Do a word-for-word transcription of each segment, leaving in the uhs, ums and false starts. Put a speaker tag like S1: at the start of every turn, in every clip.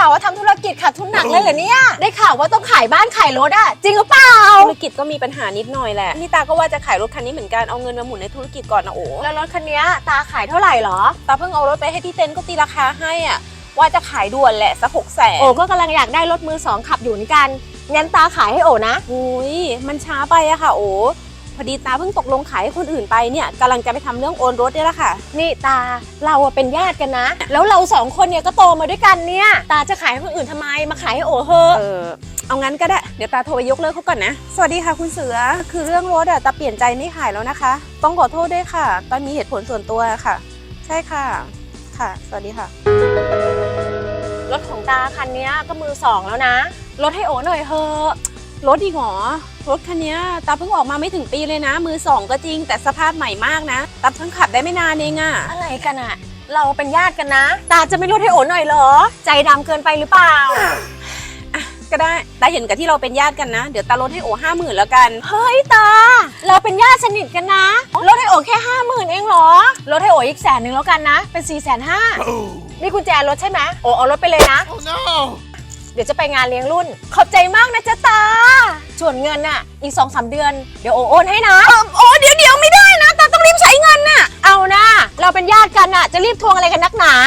S1: าวว่าทำธุรกิจขาดทุนหนักเลยเหรอเนี่ยได้ข่าวว่าต้องขายบ้านขายรถอะจริงหรือเปล่า
S2: ธุรกิจก็มีปัญหานิดหน่อยแหละนี่ตาก็ว่าจะขายรถคันนี้เหมือนกันเอาเงินมาหมุนในธุรกิจก่อนนะโอ้
S1: แล้วรถคันนี้ตาขายเท่าไหร่หรอ
S2: ตาเพิ่งเอารถไปให้ที่เต็นท์ก็ตีราคาให้อ่ะว่าจะขายด่วนแหละสักหกแสน
S1: โอ้ก็กำลังอยากได้รถมือสองขับอยู่เหมือนกันงั้นตาขายให้โอ้นะ
S2: อุ้ยมันช้าไปอะค่ะโอ้พอดีตาเพิ่งตกลงขายให้คนอื่นไปเนี่ยกำลังจะไปทำเรื่องโอนรถนี่แหละค่ะ
S1: นี่ตาเราเป็นญาติกันนะแล้วเราสองคนเนี่ยก็โตมาด้วยกันเนี่ยตาจะขายให้คนอื่นทำไมมาขายให้โอ้เถอะ
S2: เออเอางั้นก็ได้เดี๋ยวตาโทรไปยกเลิกเขาก่อนนะสวัสดีค่ะคุณเสือคือเรื่องรถอะตาเปลี่ยนใจไม่ขายแล้วนะคะต้องขอโทษด้วยค่ะตอนมีเหตุผลส่วนตัวค่ะใช่ค่ะค่ะสวัสดีค่ะ
S1: รถของตาคันนี้ก็มือสองแล้วนะรถให้โอ้หน่อยเถอะ
S2: รถอีกหรอรถคันนี้ตาเพิ่งออกมาไม่ถึงปีเลยนะมือสองก็จริงแต่สภาพใหม่มากนะตาเพิ่งขับได้ไม่นานเองอะ
S1: อะไรกันอะเราเป็นญาติกันนะตาจะไม่ลดให้โอ๋หน่อยเหรอใจดำเกินไปหรือเปล่า
S2: ก็ได้ตาเห็นกับที่เราเป็นญาติกันนะเดี๋ยวตาลดให้โอ๋ห้าหมื่นแล้วกัน
S1: เฮ้ยตาเราเป็นญาติสนิทกันนะลดให้โอ๋แค่ห้าหมื่นเองเหรอลดให้โอ๋อีกแสนหนึ่งแล้วกันนะเป็นสี่แสนห้านี่กุญแจรถใช่ไหมโอ๋เอารถไปเลยนะ oh, no. เดี๋ยวจะไปงานเลี้ยงรุ่นขอบใจมากนะจ๊ะตาส่วนเงินน่ะอีกสองสามเดือนเดี๋ยวโอโอนให้นะ
S2: โอ้เดี๋ยวเดี๋ยวไม่ได้นะตาต้องรีบใช้เงินน่ะ
S1: เอานะเราเป็นญาติกันน่ะจะรีบทวงอะไรกันนักหนา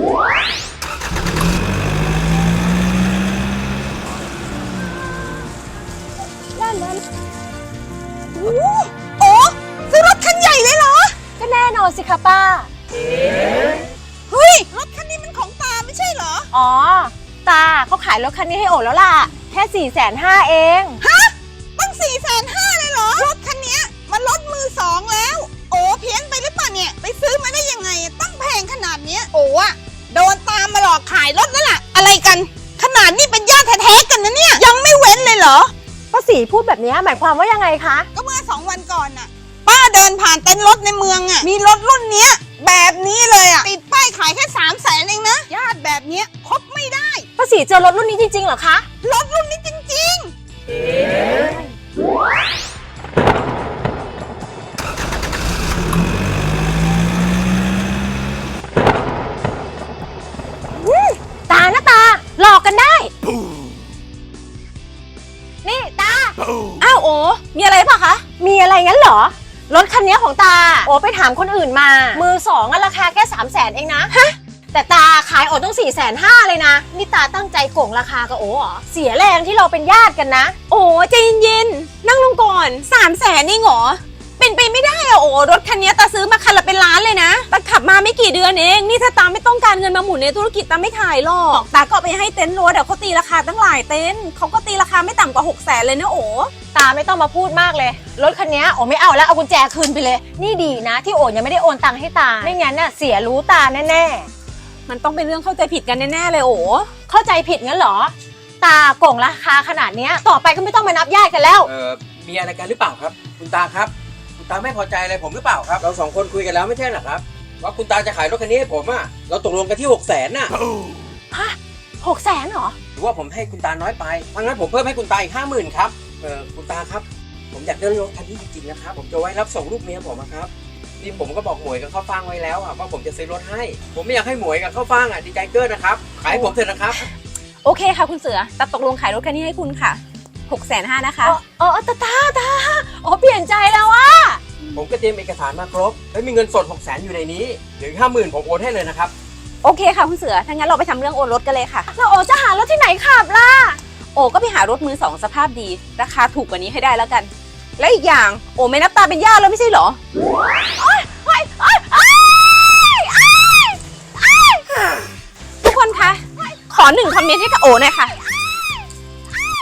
S1: ด้านนั้น
S2: โอ้ซื้อรถคันใหญ่เลยเหรอ
S1: ก็แน่นอนสิคะป้า
S2: เฮ้ยรถคันนี้มันของตาไม่ใช่เหรอ
S1: อ๋อตาเขาขายรถคันนี้ให้โอ๋แล้วล่ะแค่สี่แสนห้าเอง
S2: ฮะตั้งสี่แสนห้าเลยเหรอรถคันนี้มันรถมือสองแล้วโอ้เพี้ยนไปหรือเปล่าเนี่ยไปซื้อมาได้ยังไงตั้งแพงขนาดนี้โอ้อะโดนตามมาหลอกขายรถนั่นแหละอะไรกันขนาดนี้เป็นญาติแท้ๆกันนะเนี่ยยังไม่เว้นเลยเหรอ
S1: ป้าศรีพูดแบบนี้หมายความว่ายังไงคะ
S2: ก็เมื่อสองวันก่อนน่ะป้าเดินผ่านเต็นท์รถในเมืองอ่ะมีรถรุ่นเนี้ยแบบนี้เลยอ่ะติดป้ายขายแค่สามแสนเองนะญาติแบบเนี้ยคบไม่ได้
S1: ป้าศรีเจอรถรุ่นนี้จริงๆเหรอคะ
S2: รถรุ่นนี้จริง
S1: ๆตานะตาหลอกกันได้นี่ตา
S2: อ้าวโอ้มีอะไรป่ะคะ
S1: มีอะไรงั้นเหรอรถคันนี้ของตาโอ้ไปถามคนอื่นมามือสองราคาแค่สามแสนเองนะฮะแต่ตาขายโอ้ต้องสี่แสนห้าเลยนะนี่ตาตั้งใจโกงราคากับโอ้เหรอเสียแรงที่เราเป็นญาติกันนะ
S2: โอ้ใจเย็นๆนั่งลงก่อนสามแสนนี่หรอเป็นไปไม่ได้อะโอ้รถคันนี้ตาซื้อมาคันละเป็นล้านเลยนะตาขับมาไม่กี่เดือนเองนี่ถ้าตาไม่ต้องการเงินมาหมุนในธุรกิจตาไม่ขายหรอกตาก็ไปให้เต็นท์รถเขาตีราคาตั้งหลายเต็นท์เขาก็ตีราคาไม่ต่ำกว่าหกแสนเลยนะโอ้
S1: ตาไม่ต้องมาพูดมากเลยรถคันนี้โอ้ไม่เอาแล้วเอากุญแจคืนไปเลยนี่ดีนะที่โอ้ยังไม่ได้โอนตังค์ให้ตาไม่งั้นน่ะเสียรู้ตาแน่
S2: ๆมันต้องเป็นเรื่องเข้าใจผิดกันแน่ๆเลยโอ้
S1: เข้าใจผิดงั้นเหรอตาโกงราคาขนาดนี้ต่อไปก็ไม่ต้องมานับญาติกันแล้ว
S3: เออมีอะไรกันหรือเปล่าครับคุณตาครับคุณตาไม่พอใจอะไรผมหรือเปล่าครับเราสองคนคุยกันแล้วไม่ใช่หรอครับว่าคุณตาจะขายรถคันนี้ให้ผมอ่ะเราตกลงกันที่หกแสนน่ะ
S1: ฮะหกแสนเหรอ
S3: หรือว่าผมให้คุณตาน้อยไปถ้างั้นผมเพิ่มให้คุณตาอีกห้าหมื่นครับเออคุณตาครับผมอยากได้รถคันนี้จริงๆนะครับผมจะไว้รับส่งลูกเมียผมครับนี่ผมก็บอกหมวยกับข้าวฟ่างไว้แล้วอ่ะว่าผมจะซื้อรถให้ผมไม่อยากให้หมวยกับข้าวฟ่างอ่ะดีใจเกินนะครับขายผมเถอะนะครับ
S2: โอเคค่ะคุณเสือตัดตกลงขายรถคันนี้ให้คุณค่ะหกแสนห้านะคะ
S1: อ๋อตาตาตาอ๋อเปลี่ยนใจแล้วอ่ะ
S3: ผมก็เตรียมเอกสารมาครบแล้วมีเงินสดหกแสนอยู่ในนี้เดี๋ยวห้าหมื่นผมโอนให้เลยนะครับ
S2: โอเคค่ะคุณเสือถ้างั้นเราไปทำเรื่องโอนรถกันเลยค่ะ
S1: แล้วโอจะหารถที่ไหนขับล่ะ
S2: โอก็ไปหารถมือสองสภาพดีราคาถูกกว่านี้ให้ได้แล้วกันและอีกอย่างโอไม่นับตาเป็นญาติแล้วไม่ใช่เหรอทุกคนคะขอหนึ่งคอมเมนต์ให้กับโอหน่อยค่ะ